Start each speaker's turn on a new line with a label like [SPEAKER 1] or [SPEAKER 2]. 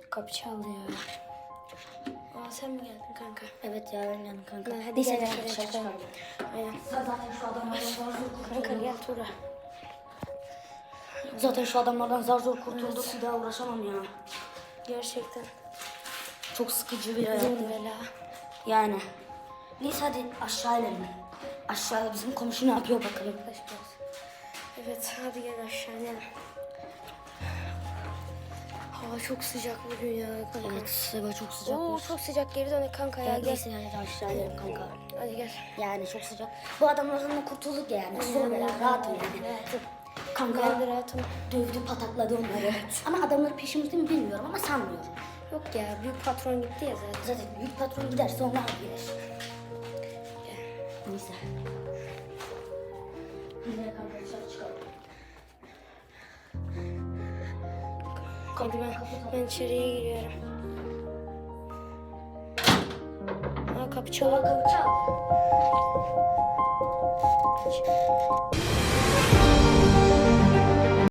[SPEAKER 1] Kapı çaldı ya. Aa sen mi geldin kanka?
[SPEAKER 2] Evet ya ben geldim kanka.
[SPEAKER 1] Hadi gel
[SPEAKER 2] gel
[SPEAKER 1] dışarı çıkalım. Aynen.
[SPEAKER 2] Zaten şu adamlardan zar zor
[SPEAKER 1] Kanka
[SPEAKER 2] kurtulduk.
[SPEAKER 1] gel Tura.
[SPEAKER 2] Zaten şu adamlardan zar zor kurtulduk. Bir daha uğraşamam ya.
[SPEAKER 1] Gerçekten.
[SPEAKER 2] Çok sıkıcı bir hayat.
[SPEAKER 1] Zor bela.
[SPEAKER 2] Yani. Neyse hadi aşağı inelim. Aşağıda bizim komşu ne yapıyor bakalım.
[SPEAKER 1] Yaklaş biraz. Evet hadi gel aşağı inelim. Hava çok sıcak bugün ya kanka.
[SPEAKER 2] Evet, hava çok sıcak.
[SPEAKER 1] Oo çok sıcak, geri dönek kanka ya.
[SPEAKER 2] Ya
[SPEAKER 1] Gel.
[SPEAKER 2] neyse yani aşağı inelim kanka.
[SPEAKER 1] Hadi gel.
[SPEAKER 2] Yani çok sıcak. Bu adamlardan da kurtulduk yani. Zor bela, rahatım yani.
[SPEAKER 1] Rahatım.
[SPEAKER 2] Kanka
[SPEAKER 1] Ben de rahatım.
[SPEAKER 2] dövdü, patakladı onları. Ama adamları peşimizde mi bilmiyorum ama sanmıyorum.
[SPEAKER 1] Yok ya, büyük patron gitti ya zaten.
[SPEAKER 2] Zaten büyük patron giderse onlar gider. Neyse. Yine kanka dışarı çıkalım.
[SPEAKER 1] Hadi ben içeriye giriyorum. Aa kapı çalıyor.
[SPEAKER 2] Kapı çal.